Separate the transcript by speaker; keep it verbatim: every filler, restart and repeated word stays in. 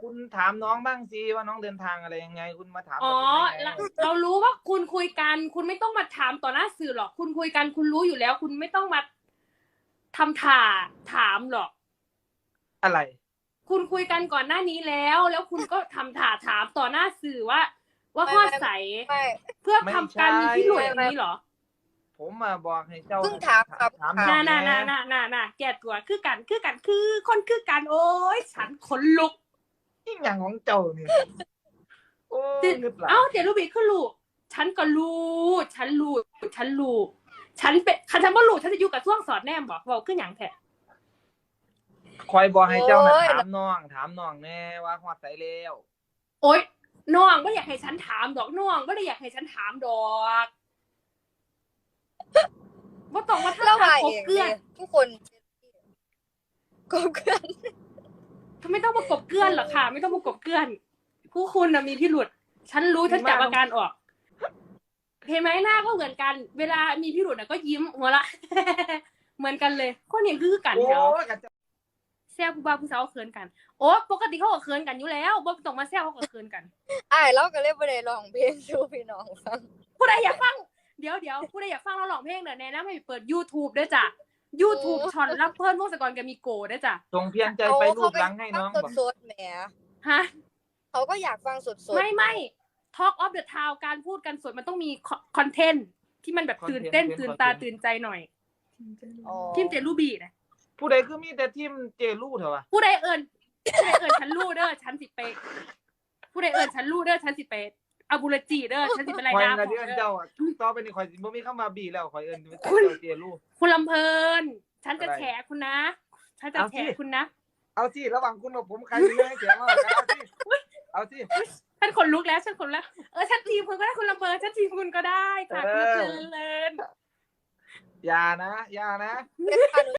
Speaker 1: คุณถามน้องบ้างสิว่าน้องเดินทางอะไรยังไงคุณมาถาม
Speaker 2: อ๋อเรารู้ว่าคุณคุยกันคุณไม่ต้องมาถามต่อหน้าสื่อหรอกคุณคุยกันคุณรู้อยู่แล้วคุณไม่ต้องมาทำถ่าถามหรอก
Speaker 1: อะไร
Speaker 2: คุณคุยกันก่อนหน้านี้แล้วแล้วคุณก็ทำถ่าถามต่อหน้าสื่อว่าว่าข้อใสเพื่อทำการมีพิรุธอย่างนี้หรอ
Speaker 1: ผมมาบอกให้เจ้า
Speaker 3: เพิ่งถามครับ
Speaker 1: ถาม
Speaker 2: น่าน่าน่าน่าน่าน่าแก้ตัวคือกันคือกันคือคนคือกันโอ้ยฉันขนลุก
Speaker 1: ยิ่งอย่างของเจ้าเนี่ยโอ้
Speaker 2: เอ้าเดี๋ยวรูบีคือลูกฉันก็รู้ฉันรู้ฉันรู้ฉันเป็นฉันไม่รู้ฉันจะอยู่กับช่วงสอดแนมบอกบอกขึ้นอย่างแท้
Speaker 1: คอยบอกให้เจ้านะถามน้องถามน้องแน่ว่าฮอดไสแล้ว
Speaker 2: โอ๊ยน้องไม่อยากให้ฉันถามดอกน้องไม่ได้อยากให้ฉันถามดอกว่าต้องว่าถ้าถามกบเกลื่อน
Speaker 3: ทุกคนกบเกลื่อน
Speaker 2: ทำไมต้องมากบเกลื่อนหรอค่ะไม่ต้องมากบเกลื่อนผู้คุณนะมีพิรุธฉันรู้ฉันจับอาการออกเห็นไหมหน้าก็เหมือนกันเวลามีพิรุธนะก็ยิ้มหัวละเหมือนกันเลยคนนี้คือกันแถวแซวผู้บ่าวผู้สาวเขินกันโอ้ปกติเขาก็เขินกันอยู่แล้วบ่ต้องมาแซวเขาก็เขินกัน
Speaker 3: อ้ายเราก็เลยบ่ได้ร้องเพลงสู่พี่น้องฟัง
Speaker 2: ผู้ใดอยากฟังเดี๋ยวเดี๋ยวผู้ใดอยากฟังเราร้องเพลงเด้อแนะนำให้เปิด YouTube ด้วยจ้ะ YouTube ช็อตรับเพิ่นวงศกรกับมีโกด้วยจ้ะ
Speaker 1: ส่งเพียงใจไปรูปหลังให้น้อง
Speaker 3: บอกสดๆแหม
Speaker 2: ฮะ
Speaker 3: เขาก็อยากฟังสดๆ
Speaker 2: ไม่ไม่ Talk of the Town การพูดกันสดมันต้องมีคอนเทนต์ที่มันแบบตื่นเต้นตื่นตาตื่นใจหน่อยทีมเจลูบี้นะ
Speaker 1: ผู้ใดคือมีแต่ทีมเจลูเถอะวะ
Speaker 2: ผู้ใดเอิญผู้ใดเอิญฉันลู่เด้อฉันสิเปผู้ใดเอิญฉันลู่เด้อฉันสิเปอาบูราจีเด้อฉันสิเป็นไรนะ
Speaker 1: คอยเอิญเจ้าอ่ะต่อไปนี่คอยสิบ่มีคำว่าบีแล้วคอยเอิญเจ้าเจลู
Speaker 2: คุณลำเพลินฉันจะแฉคุณนะฉันจะแฉคุณนะ
Speaker 1: เอาสิระหว่างคุณกับผมใครมีเรื่องให้แฉมากกว่ากันเอาสิเอาสิ
Speaker 2: ฉันขนลุกแล้วฉันขนแล้วเออฉันทีมคุณก็ได้คุณลำเพลินฉันทีมคุณก็ได้ค่ะคุณลำเพลิน
Speaker 1: อย่านะอย่านะ